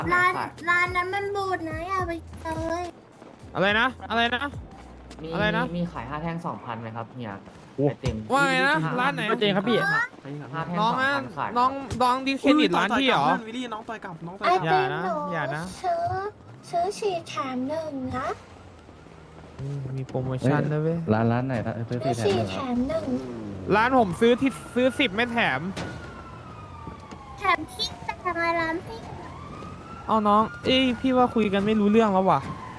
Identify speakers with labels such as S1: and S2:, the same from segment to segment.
S1: ร้าน
S2: ขาย
S1: ร้านนั้นมันบูดนะอย่าไปเลย
S3: อะไรนะอะไรนะ
S2: มี
S3: อะไรนะ
S2: มีขาย5 แท่ง 2,000ไหมครับเฮีย
S4: โอ้
S2: ไอติม
S3: ว่าไงนะร้านไหน
S4: ก็เจงครับพี่
S2: 5 แท่ง
S3: น้องนะ
S2: 2,000ขาย
S3: น้องดิสเครดิตร้านพี่เหรอ
S5: วิลลี่น้องต่อยกลับน้องต่
S1: ไอ
S5: อยกลับ
S1: ติม
S3: อย่านะ
S1: หนู
S3: อย่านะ
S1: ซื้อสี่แถมหนึ่งนะ
S3: มีโปรโมชั่นด้วยเว้ย
S4: ร้านไหนนะซื้อ
S1: ซื้อ
S4: สี่แถม
S1: สี่
S4: หนึ่ง
S1: แถ
S4: ครับ
S1: มหนึ่ง
S3: ร้านผมซื้อ10ไม่แถม
S1: แถมที่แต่งร้านพี่
S3: เอาน้องเอ้ยพี่ว่าคุยกันไม่รู้เรื่องแล้วว่ะ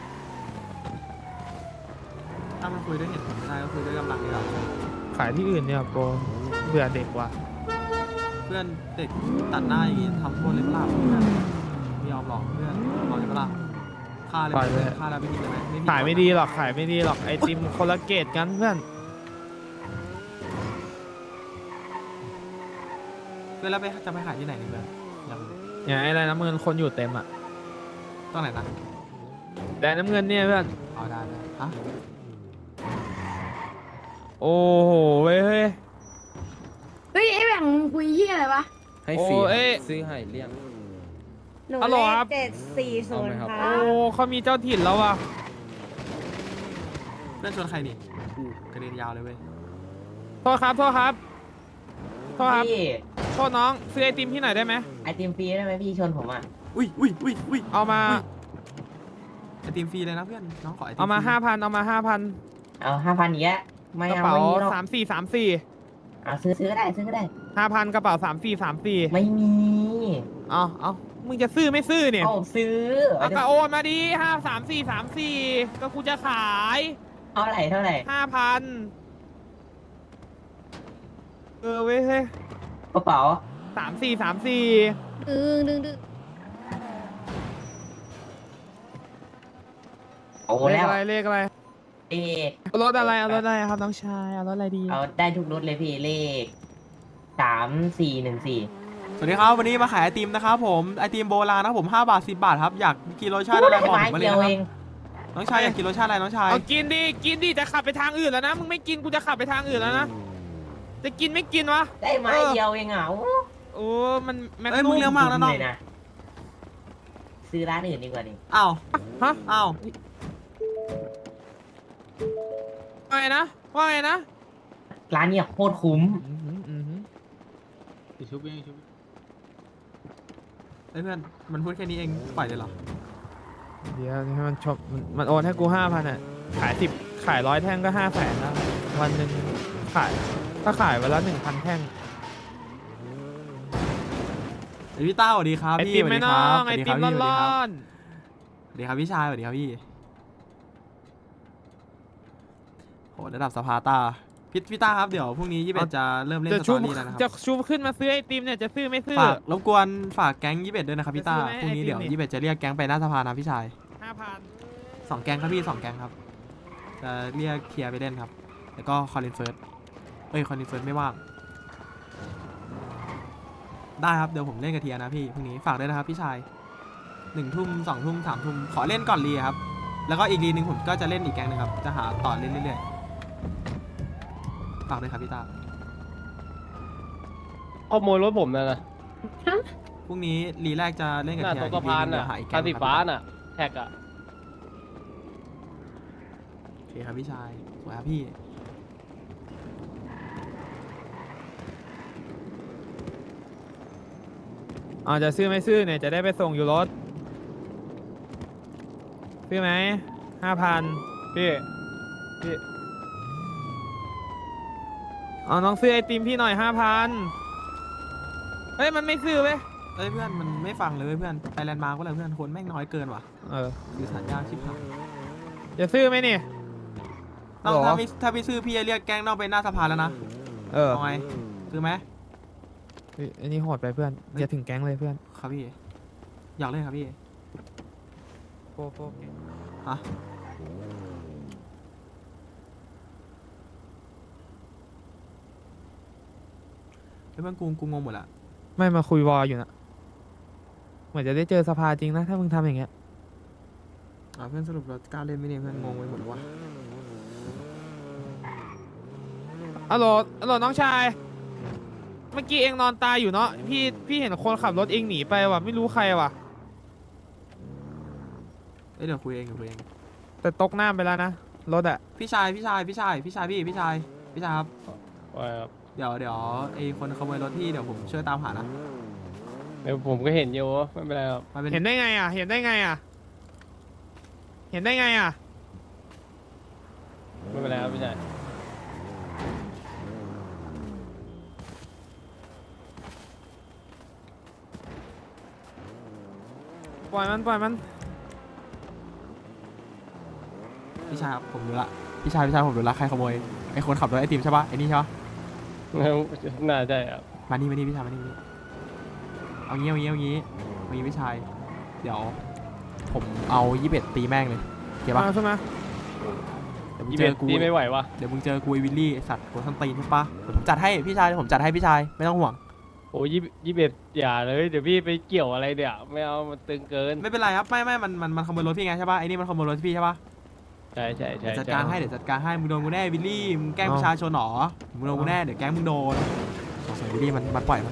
S5: ถ้ามันคุยด้วยเหตุผลไม่ได้ก็คุยด้วยกำลังดีกว่า
S3: ขายที่อื่นเนี่ยโปรเบื่อเด็กว่ะ
S5: เพื่อนเด็กตัดหน้าอย่างงี้ทำโทษเลยเปล่าเพื่อนไม่ยอมหรอกเพื่อนบอกเลยเปล่าฆ่าเลย
S3: ปล่อยเลย
S5: ฆ่าแล้วไม่ผิดเลยไหมไม่ผิ
S3: ขายไม่ดีหรอกขายไม่ดีหรอกไอติมคนละเกตกันเพื่อน
S5: เพื่อนแล้วไปจะไปขายที่ไหนเนี่ยเพื่อนยัง
S3: อย่างไออะไรน้ำเงินคนอยู่เต็มอ่ะ
S5: ต้องไหนนะ
S3: แต่น้ำเงินเนี่ยเพื่อน
S5: เอาได้ได้ฮะ
S3: โอ้โหเว้ยเฮ้ย
S6: เฮ้ยไอ้แบ่งมึงคุยเฮียอะไรวะ
S4: ให้ฟรี
S3: โอ้เอ้ย
S4: ซื้อให้เลี้ยง
S7: หนู
S3: ฮัลโหล
S7: เล
S3: ครั
S7: ข
S3: บ
S7: 740
S4: เอาไหมครับ
S7: ค
S3: โอ้
S7: รับ
S3: เขามีเจ้าถิ่นแล้วว่ะ
S5: เพื่อนชวนใครนี่กระเด็นยาวเลยเว้ย
S3: โทษครับโทษครับโทษครับ
S2: พี่
S3: โทษน้องซื้อไอติมที่ไหนได้ไหม
S2: ไอติมฟรีได้ไหมพี่ชวนผมอ่ะ
S5: อุ้ยอุ้ยอุ้ยอุ้ย
S3: เอามา
S5: ไอติมฟรีเลยนะเพื่อนน้องขอไอติม
S3: เอามา
S5: ฟรี
S3: 5,000เอามา5,000
S2: เอา5,000อีกแล้วไม่
S3: กระ
S2: เอา
S3: เป๋า
S2: ไม่มีหรอก
S3: 3434
S2: เอาซื้อก็ได้ซื้อก็ได้
S3: 5,000กระเป๋า3434
S2: ไม่มี
S3: เอามึงจะซื้อไม่ซื้อเนี่ย
S2: เอาซื้อ
S3: เอากระโอนมาดิ53434ก็กูจะขาย
S2: เท่าไหร่
S3: 5,000เว้ยเฮ้ย
S2: กระเป๋า
S3: 3434
S1: ดึง
S2: โอ้
S3: เลข
S2: แล้ว
S3: อะไรเลขอะไร
S2: เลข
S3: เอารถอะไรเอารถอะไรครับน้องชายเอารถอะไรดี
S2: เอาได้ทุกรถเลยพี่เลข3414
S5: สวัสดีครับวันนี้มาขายไอติมนะครับผมไอติมโบราณนะครับผม5 บาท 10 บาทครับอยากกินรสชาติอะไรบอกผมมาเลย
S2: เดียว
S5: นะค
S2: เอ
S5: รับ
S2: ง
S5: น้องชายอยากกินรสชาติอะไรน้องชาย
S3: เอากินดิจะขับไปทางอื่นแล้วนะมึงไม่กินกูจะขับไปทางอื่นแล้วนะจะกินไม่กินวะ
S2: ได้ไม้เดียวเองอ่ะ
S3: โอ้มันแม็ก
S5: เอ้ยมึงเลี้ยงมากนะน้อง
S2: เลยนะซื้อร้านอื่นดีกว่าดิ
S5: อ้าว
S3: ฮะ
S5: อ้าว
S3: ว่าไงนะว่าไงนะ
S2: ร้านเนี่ยโคตรคุ้ม
S5: ชุบเองชุบเฮ้ยเพื่อนมันพูดแค่นี้เองปล่อยเลยเหรอ
S3: เดี๋ยวให้มันชมมันโอนให้กู5,000อ่ะขาย10ขาย100แท่งก็500,000แล้ววันหนึ่งขายถ้าขายวันละ1,000แท่ง
S5: เฮ้ยพี่ต้าสวัสดีครับ
S3: ไอ
S5: พี่
S3: ติม
S5: สวัส
S3: ไม่
S5: ดี
S3: น้
S5: ค
S3: อ
S5: รับ
S3: งไอติมร้อน
S5: สวัสดีครับพี่ชายสวัสดีครับพี่โหระดับสภาต้าพี่ต้าครับเดี๋ยวพรุ่งนี้21จะเริ่มเล่น
S3: จะ
S5: สต
S3: ชุ
S5: อบ รี่แล้วนะครับ
S3: จะชุบขึ้นมาซื้อไอติมเนี่ยจะซื้อไม่ซื้อ
S5: ฝากรบกวนฝากแก๊ง21ด้วยนะครับพี่ต้า
S3: จะซื้อไหม
S5: พรุ่งนี้
S3: ไอติม
S5: เดี๋ยว
S3: นี่
S5: 21จะเรียกแก๊งไปหน้าสภานะพี่ชาย
S3: 5,000
S5: 2 แก๊งครับพี่2 แก๊งครับจะเรียกเคลียร์ไปเล่นครับแล้วก็คอลินเฟิร์สคอลินเฟิร์สไม่ว่างได้ครับเดี๋ยวผมเล่นกับเทียนะพี่พรุ่งนี้ฝากด้วยนะครับพี่ชาย1 ทุ่ม2 ทุ่ม3 ทุ่มขอเล่นก่อนรีครับแล้วก็อีกรีนึงผมก็จะเล่นอีกแก๊งนึงครับจะหาต่อเล่นเรื่อยๆฝากด้วยครับพี่ตา
S4: ขโมยรถผมนะ
S5: พรุ่งนี้รีแรกจะเล่นกับ
S4: หน้า
S5: เทีย
S4: ตกสะพาน
S5: เดี๋
S4: อ่ะ
S5: ยวหาอีกแก๊
S4: คัน
S5: ง
S4: สี
S5: ครับ
S4: ฟ้าน่ะแท็กอ่ะ
S5: โอเคครับพี่ชายสวยครับพี่
S3: จะซื้อไม่ซื้อเนี่ยจะได้ไปส่งอยู่รถซื้อไหม5,000พี่เอาน้องซื้อไอติมพี่หน่อย5,000เฮ้ยมันไม่ซื้อเว้ย
S5: เอ้ยเพื่อนมันไม่ฟังเลยเว้ยเพื่อนไปแลนด์มาร์กก็เลยเพื่อนคนแม่งน้อยเกินว่ะ สื่อสารยากชิบหาย
S3: จะซื้อไหมนี่
S5: ต้อง
S3: หรอ
S5: ถ้าไม่ซื้อพี่จะเรียกแก๊งนอกไปหน้าสภาแล้วนะ เอาไงซื้อไหม
S3: เฮ้ยอันนี้โหดไปเพื่อนอย่าถึงแก๊งเลยเพื่อน
S5: ครับพี่อยากเล่นครับพี่
S3: โฟ
S5: ฮะเฮ้ยเพื่อนกูงงหมดละ
S3: ไม่มาคุยวอลอยู่นะเหมือนจะได้เจอสภาจริงนะถ้ามึงทำอย่างเงี้ย
S5: เพื่อนสรุปเรากล้าเล่นไหมเนี่ยเพื่อนงงไปหมดวะ
S3: ฮัลโหลน้องชาย เมื่อกี้เองนอนตายอยู่เนาะพี่เห็นคนขับรถเองหนีไปว่ะไม่รู้ใครว่ะ
S5: เดี๋ยวคุยเองเดี๋ยวคุยเอง
S3: แต่ตกหน้าไปแล้วนะรถอะ
S5: พี่ชายครับ
S4: ว่าครับ
S5: เดี๋ยวไอ้คนขโมยรถที่เดี๋ยวผมช่วยตามหานะ
S4: เดี๋ยวผมก็เห็นอยู่ไม่เป็นไรครับ
S5: มันเป็น
S3: เห็นได้ไงอะเห็นได้ไงอะเห็นได้ไงอะ
S4: ไม่เป็นไรครับพี่ชาย
S3: ปล่อยมัน
S5: พี่ชายครับผมรู้ละพี่ชายผมรู้ละใครขโมยไอ้คนขับรถไอติมใช่ปะไอ้นี่ใช่ปะ
S4: น่าใช่ครับ
S5: มานี่พี่ชายมานี่เอางี้พี่ชายเดี๋ยวผมเอา21ตีแม่งเลยเก็บปะ
S3: มาใช่ไหม
S5: เดี๋ยวมึง
S4: ยี่
S5: เจ
S4: เบ็
S5: อ
S4: ด
S5: กู
S4: ตีไม่ไหววะ
S5: เดี๋ยวมึงเจอกูไอ้วิลลี่ไอ้สัตว์กูทันตีนใช่ปะเดี๋ยวผมจัดให้พี่ชายไม่ต้องห่วง
S4: โอ้ยี่เบ็ดอย่าเลยเดี๋ยวพี่ไปเกี่ยวอะไรเดี๋ยวไม่เอามันตึงเกิน
S5: ไม่เป็นไรครับไม่มันขโมยรถพี่ไงใช่ปะไอ้นี่มันขโมยรถพี่ใช่ปะ
S4: ใช่
S5: เดี๋ยวจัดการให้มึงโดนกูแน่วิลลี่มึงแกล้งประชาชนหรอมึงโดนกูแน่เดี๋ยวแกล้งมึงโดนสงสัยวิลลี่มันปล่อย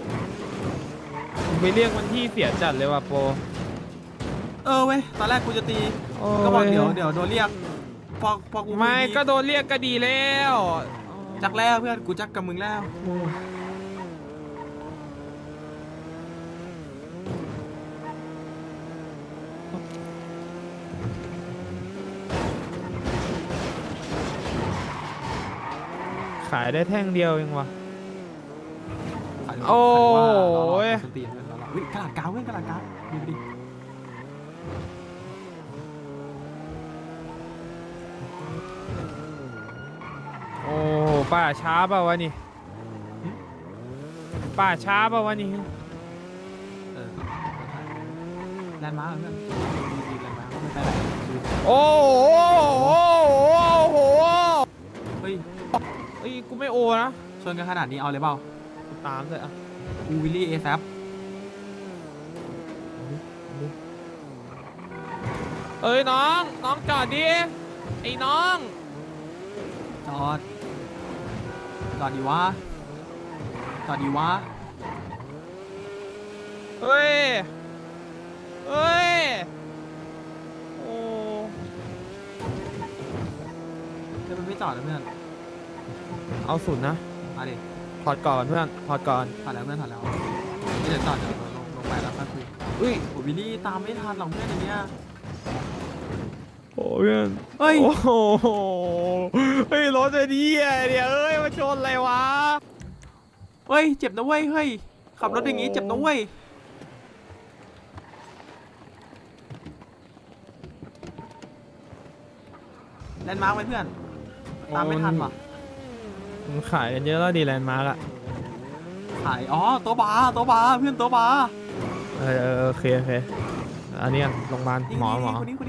S3: ไปเรียกมันที่เสียจัดเลยว่ะโป
S5: เว้ยตอนแรกกูจะตี
S3: โอ้
S5: ก็บอก
S3: ย
S5: เดี๋ยวโดนเรียกพอกู
S3: ไม่
S5: ดี
S3: ก็โดนเรียกก็ดีแล้ว
S5: จักแล้วเพื่อนกูจักกับมึงแล้ว
S3: ขายได้แท่งเดียวเองวะ
S5: ขาย
S3: โอ้
S5: ว่าเรา
S3: ย
S5: ส้นตีนเพื่อนเรากระดาษกาวเพื่อนกระดาษกาวดูดิ
S3: โอ้ป้าช้าเปล่าวะนี่ป้าช้าเปล่าวะนี่
S5: แลนด์มาร์คเพื่อนดีแลนด์มาร์คไม่ไปไหน
S3: โอ้โห
S5: เฮ้ย
S3: เอ้ยกูไม่โอนะ
S5: ชนกันขนาดนี้เอาเลยเปล่า
S3: กูตามเลยอ่ะ
S5: กูวิลลี่เอแซป
S3: เอ้ยน้องจอดดิไอ้น้อง
S5: จอดดีวะ
S3: เฮ้ยโอ้
S5: เดี๋ยวมันไม่จอดนะเพื่อน
S3: เอาสุดนะ
S5: มาดิ
S3: ถอดก่อนเพื่อนถอดก่อน
S5: ถอดแล้วเพื่อนถอดแล้วไม่เดี๋ยวจอดเดี๋ยวลงไปแล้วค่อยคุย
S3: อุ้ย
S5: โอ้วิลลี่ตามไม่ทันหรอกเพื่อนอย่างเงี้ย
S3: โอ้เพื่อน
S5: เฮ้ย
S3: โอ้โหเฮ้ยรถจะดีอ่ะเดี๋ยวเอ้ยมาชนอะไรวะ
S5: เฮ้ยเจ็บนะเว้ยเฮ้ยขับรถอย่างงี้เจ็บนะเว้ยแลนด์มาร์คไว้เพื่อนตามไม่ทันว่ะ
S3: มันขายกันเยอะแล้วดีแลนด์มาร์กอะ
S5: ขายอ๋อตัวบาร์เพื่อนตัวบาร์
S3: โอเคอันนี้กันโรงพยาบาลหมอ
S5: คนนี้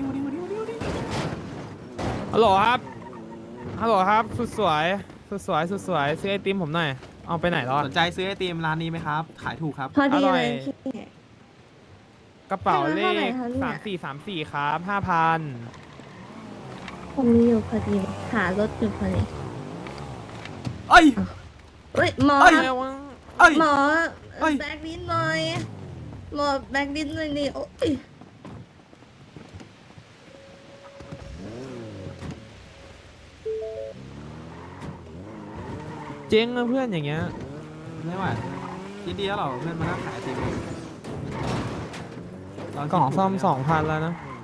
S3: ฮัลโหลครับสุดสวยซื้อไอติมผมหน่อยเอาไปไหนแล้วอะ
S5: สนใจซื้อไอติมร้านนี้ไหมครับขายถูกครับ
S7: พอดี
S3: อร่อย
S7: เลยพี่
S3: กระเป๋าเล
S7: เท่าไหร่
S3: ข
S7: คะเนี่ย
S3: 3434ครับ5,000
S7: ผมมีอยู่พอดีหารถอยู่พอดี
S5: เอ้ย
S7: เฮ้ยหมอ
S5: เอ้ย เอ้ย
S7: หมอ
S5: เอ้ย
S7: แบกดินหน่อยหมอแบกดินหน่อยดิโอ้ย
S3: เจ๊งอะเพื่อนอย่างเงี้ย
S5: ไม่ไหวคิดดีแล้วเหรอเพื่อนมานั่งขายไอติมเรา
S3: กล่องซ่อม 2,000แล้วนะ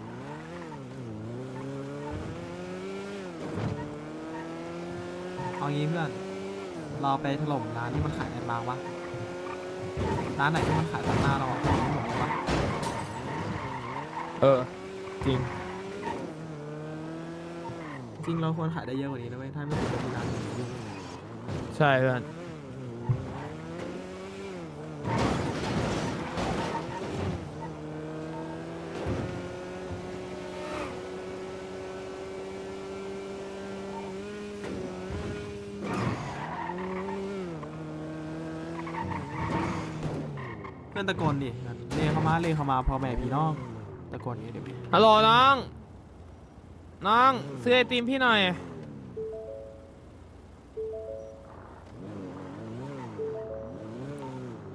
S5: เอางี้เพื่อนเราไปถล่มร้านที่มันขายแอนด์มาร์กวะร้านไหนที่มันขายตัดหน้าเราหมดเลยวะ
S3: จริง
S5: จริงเราควรขายได้เยอะกว่านี้นะเว้ยถ้าไม่ติดกับที่ร้าน
S3: ใช่เพื่อน
S5: เพื่อนตะโกนดิเรียกเข้ามาพอแม่พี่น้องตะโกนนี้เดี๋ยว
S3: ฮัลโหลน้องซื้อไอติมพี่หน่อย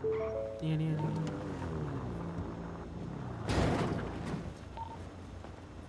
S5: นี่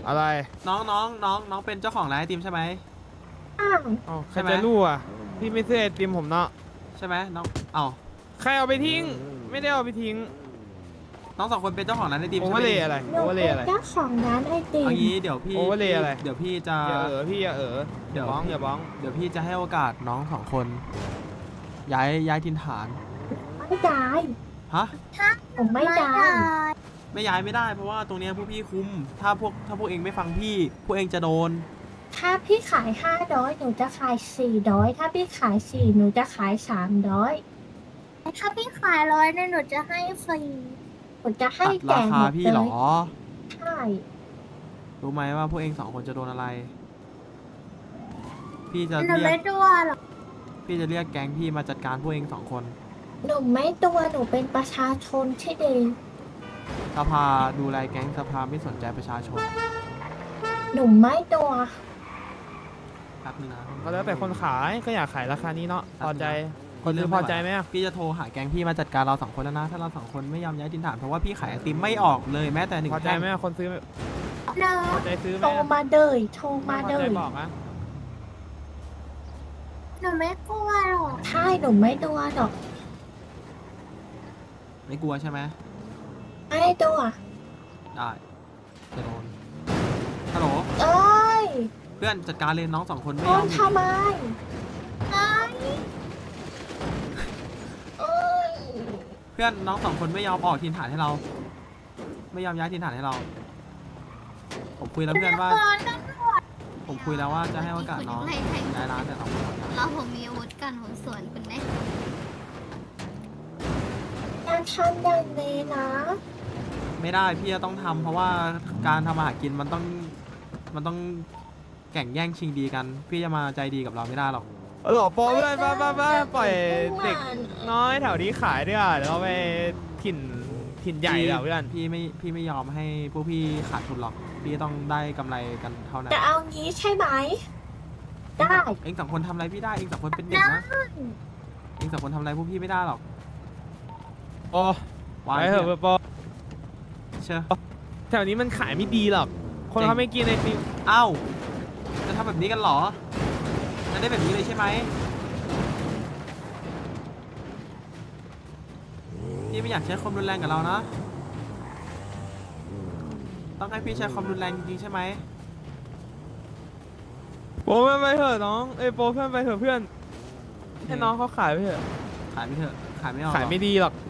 S3: อะไร
S5: น้องเป็นเจ้าของร้านไอติมใช่ไหม
S1: อ้าว
S3: เอ้าใค
S5: ใช่
S3: ร
S5: ไหม
S3: จะรู้อ่ะ พี่ไม่ซื้อไอติมผมเนาะ
S5: ใช่ไหมน้องเอ้า
S3: ใครเอาไปทิ้ง ไม่ได้เอาไปทิ้ง
S5: น้องสองคนเป็นเจ้าของร้านไอติม
S3: โอ
S5: ใช่
S3: เว
S5: ไห
S3: อ
S5: ม
S3: ร์เลยอะไร
S1: หนู
S3: โอเวอร์เล
S1: เป็
S3: ย
S1: น
S3: อะไร
S1: เจ้าของร้านไอติม
S5: เอางี้เดี๋ยวพี่
S3: Overlay อะไร
S5: เดี๋ยวพี่จะ
S3: พี่อย่า
S5: เดี๋ยว
S3: อย่าบ้องอย่าบ้อง
S5: เดี๋ยวพี่จะให้โอกาสน้องสองคน ย้ายถิ่นฐาน
S1: ไม่ได้
S5: ฮะ
S1: ผมไม่ได้
S5: ไม่ย้ายไม่ได้เพราะว่าตรงเนี้ยพวกพี่คุมถ้าพวกเองไม่ฟังพี่พวกเองจะโดน
S1: ถ้าพี่ขาย500หนูจะขาย400ถ้าพี่ขาย4หนูจะขาย300ถ้าพี่ขาย100เนี่ยหนูจะให้ฟรีหนูจะให้
S5: ตัด
S1: แจ
S5: ราก
S1: ห
S5: คาม
S1: ด
S5: พี่
S1: เล
S5: เหร
S1: ย
S5: อ
S1: ใช่
S5: รู้ไหมว่าพวกเองสองคนจะโดนอะไร พี่จะ
S1: หนู
S5: เรีย
S1: ไม่
S5: ก
S1: ตัวหรอก
S5: พี่จะเรียกแก๊งพี่มาจัดการพวกเองสองคน
S1: หนูไม่ตัวหนูเป็นประชาชนที่ดี
S5: สภาดูแลแก๊งสภาไม่สนใจประชาชน
S1: หนูไม่ตัว
S5: แป๊บนึงนะ
S3: ก็แล้วแต่คนขายก็อยากขายราคานี้เนาะพอใจ
S5: ค
S3: คน น
S5: เริ่
S3: ซื้
S5: ม
S3: อ
S5: ไม่
S3: พ
S5: ไหว
S3: อใจไหมอะ
S5: พี่จะโทรหาแก๊งพี่มาจัดการเราสองคนแล้วนะถ้าเราสองคนไม่ยอมย้ายถิ่นฐานเพราะว่าพี่ขายไอติมไม่ออกเลยแม้แต่หนึ่ง
S3: พอใจ
S5: แท่ง
S3: ไหมอะคนซื้อ
S1: เน
S3: พอใจซื้อไหม
S1: โทร
S3: อะ
S1: มาเลยโทรมา
S3: พอ
S1: เล
S3: ใจ
S1: ย
S3: บอกอะ
S1: หนูไม่กลัวหรอกใช่หนูไม่ตัวหรอก
S5: ไม่กลัวใช่ไหม
S1: ไม่ตัว
S5: ได้จะโดนฮัลโหล
S1: เอ้ย
S5: เพื่อนจัดการเลยน้องสองคนไม่
S1: โด
S5: ยอน ม
S1: ทำไมเอ้ยเอ้ย
S5: เพื่อนน้องสองคนไม่ยอมออกถิ่นฐานให้เรา ไม่ยอมย้ายถิ่นฐานให้เรา ผมคุยแล้วเพื่อนว่า ผมคุยแล้วว่าจะให้โอกาสน้องย้ายร้านแต่น้องไม่ยอมย้าย
S7: เราผมมีอาวุธกันผมสวนคุณไหม
S1: อย่าทำอย่างนี้นะ
S5: ไม่ได้พี่จะต้องทำเพราะว่าการทำอาหารกินมันต้องแข่งแย่งชิงดีกัน พี่จะมาใจดีกับเราไม่ได้หรอก
S3: หลอโปรเพื่อนบ้าปล่อยเด็กน้อยแถวนี้ขายด้วยอ่ะเดี๋ยวเราไปถิ่นใหญ่เดี๋ยวเพื่อน
S5: พี่ไม่ยอมให้พวกพี่ขาดทุนหรอก พี่ต้องได้กำไรกันเท่านั้น
S1: จะเอางี้ใช่ไหม ได้
S5: เองสองคนทำอะไรพี่ได้เองสองคนเป็นเด็กนะเองสองคนทำอะไรพวกพี่ไม่ได้หรอก
S3: โอ้
S5: วาง
S3: ไปเถอะ
S5: เถอะ
S3: โปร
S5: เชื่อ
S3: แถวนี้มันขายไม่ดีหรอก คนเขาไม่กินไอติม
S5: เอ้าจะทำแบบนี้กันเหรอจะได้แบบนี้เลยใช่ไหมพี่ไม่อยากใช้ความรุนแรงกับเรานะ ต้องให้พี่ใช้ความรุนแรงจริงๆใช่ไหม
S3: โปรเพื่อนไปเถอะน้องเอ้ยโปรเพื่อนไปเถอะเพื่อนให้น้องเขาขายไปเถอะ
S5: ขายไม่เถอะขายไม่ออกหร
S3: ขายไม่ดีหรอก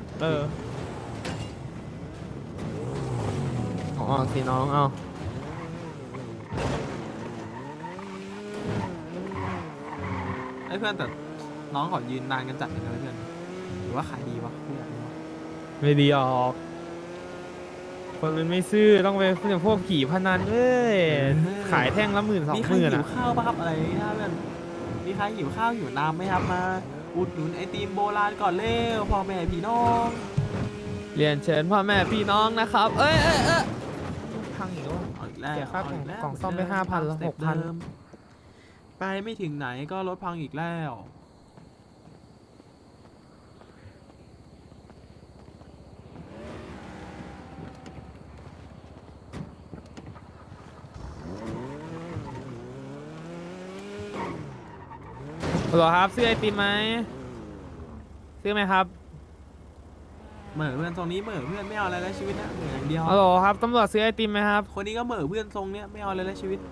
S3: อ๋อสิน้องเอา
S5: ไอ้เพื่อนแต่น้องขอยืนนานกันจัดเลยนะเพื่อนหรือว่าขายดีวะไม่อยากรู้วะ
S3: ไม่ดีออก คนมันไม่ซื้อต้องไปพวกผีพนันเอ้ยขายแท่งละ10,000
S5: มีใคร
S3: 20,000
S5: หิว
S3: อ่ะ
S5: ข้าวป่ะครับอะไรนะเพื่อนมีใครหิวข้าวหิวน้ำไหมครับมาอุดหนุนไอติมโบราณก่อนเร็วพ่อแม่พี่น้อง
S3: เรียนเชิญพ่อแม่พี่น้องนะครับ เอ้ยพังอีกแล้ว
S5: เอาอีกแล้ว
S3: เสียค่า
S5: เอีแล้ว
S3: กล่องซ่อมไป
S5: เดิ
S3: 5,000แล้ว
S5: สเต็ป
S3: 6,000
S5: เดิมไปไม่ถึงไหนก็รถพังอีกแล้ว
S3: เหรอครับซื้อไอติมไหมซื้อไหมครับ
S5: เหม่อเพื่อนทรงนี้เหม่อเพื่อนไม่เอาอะไรแล้วชีวิตนะเหม่ออย่างเดียว
S3: ฮัลโหลครับตำรวจซื้อไอติมไหมครับ
S5: คนนี้ก็เหม่อเพื่อนทรงเนี้ยไม่เอาอะไรแล้วชีวิต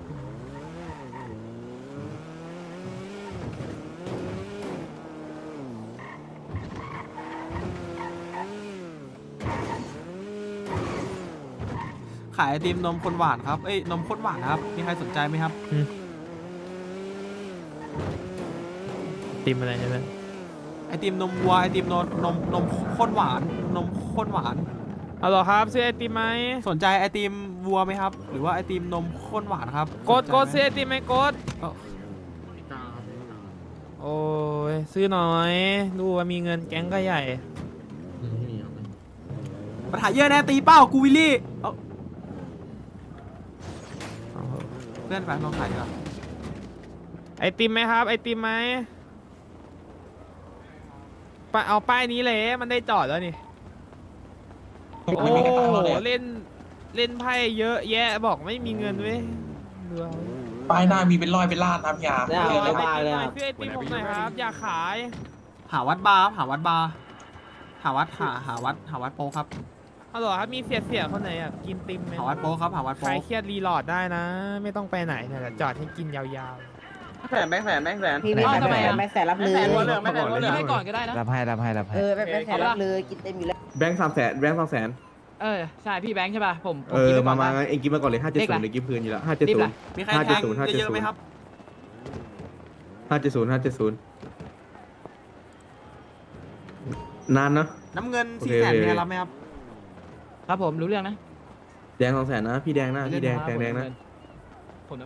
S5: ขายไอติมนมข้นหวานครับเอ้ยนมข้นหวานครับมีใครสนใจไหมครับ
S3: ติมอะไรเนี่ยเพื่อน
S5: ไอติมนมวัวไอติมนมข้นหวานนมข้นหวาน
S3: ฮัลโหลครับซื้อไอติมไหม
S5: สนใจไอติมวัวไหมครับ หรือว่าไอติมนมข้นหวานครับ
S3: กด
S5: สนใจไหม
S3: ซื้อไอติมไหมกด
S5: เอ้า
S3: โอ้ยซื้อหน่อยดูว่ามีเงินแก๊งก็ใหญ่
S5: ปัญหาเยอะแน่ตีเป้ากูวิลลี่เอ้า
S3: เอาเถอะ
S5: เพื่อนไปลองขายดีกว่า
S3: ไอติมไหมครับ ไอติมไหมไปเอาป้ายนี้เลยมันได้จอดแล้วนี่โอ้เล่นเล่นไพ่เยอะแยะบอกไม่มีเงินเว้ยดูเอา
S8: ป้ายหน้ามีเป็นร้อยเป็นล้านนะพี่ยา
S4: ได้
S3: เอ
S4: เอา
S3: อ
S4: ไป
S3: ไอ
S4: เลย
S3: ติมหน่อยซื้อไอติมผมหน่อยครับ อย่าขาย
S5: หาวัดบาร์ครับหาวัดบาร์หาวัดโปครับ
S3: ฮัลโหลครับมีเสียคนไหนอ่ะกินติมไหม
S5: หาวัดโปครับหาวัดโป
S3: ใครเครียดรีโหลดได้นะ ไม่ต้องไปไหนเนี่ยเดี๋ยวจอดให้กินยาว
S4: แสนแบงค์แสนแบงค์แสน
S9: พี่ไม่ทำไมแม็กแสนรับเลย
S4: แสนหัวเหลืองแบงค์แสนหัวเหลืองให้ก่อนก็ได้นะ
S9: รับให้แม็กแสนรับเลยกินเต็มอยู่แล้ว
S10: แบงค์300,000แบงค์200,000
S4: ใช่พี่แบงค์ใช่ป่ะผม
S10: มาเองกินมาก่อนเลย570เดี๋ยวกินคืนอยู่แล้ว570
S5: มีใครแทงเยอะๆไหมครับ
S10: 570นานเนาะ
S5: น้ำเงิน
S10: โอ
S5: 4
S10: เค
S5: แสน
S10: โอเค
S5: มีใครรับไหมครับ
S4: ครับผมรู้เรื่องนะ
S10: แดง200,000นะพี่แดงนะพี่แดงนะ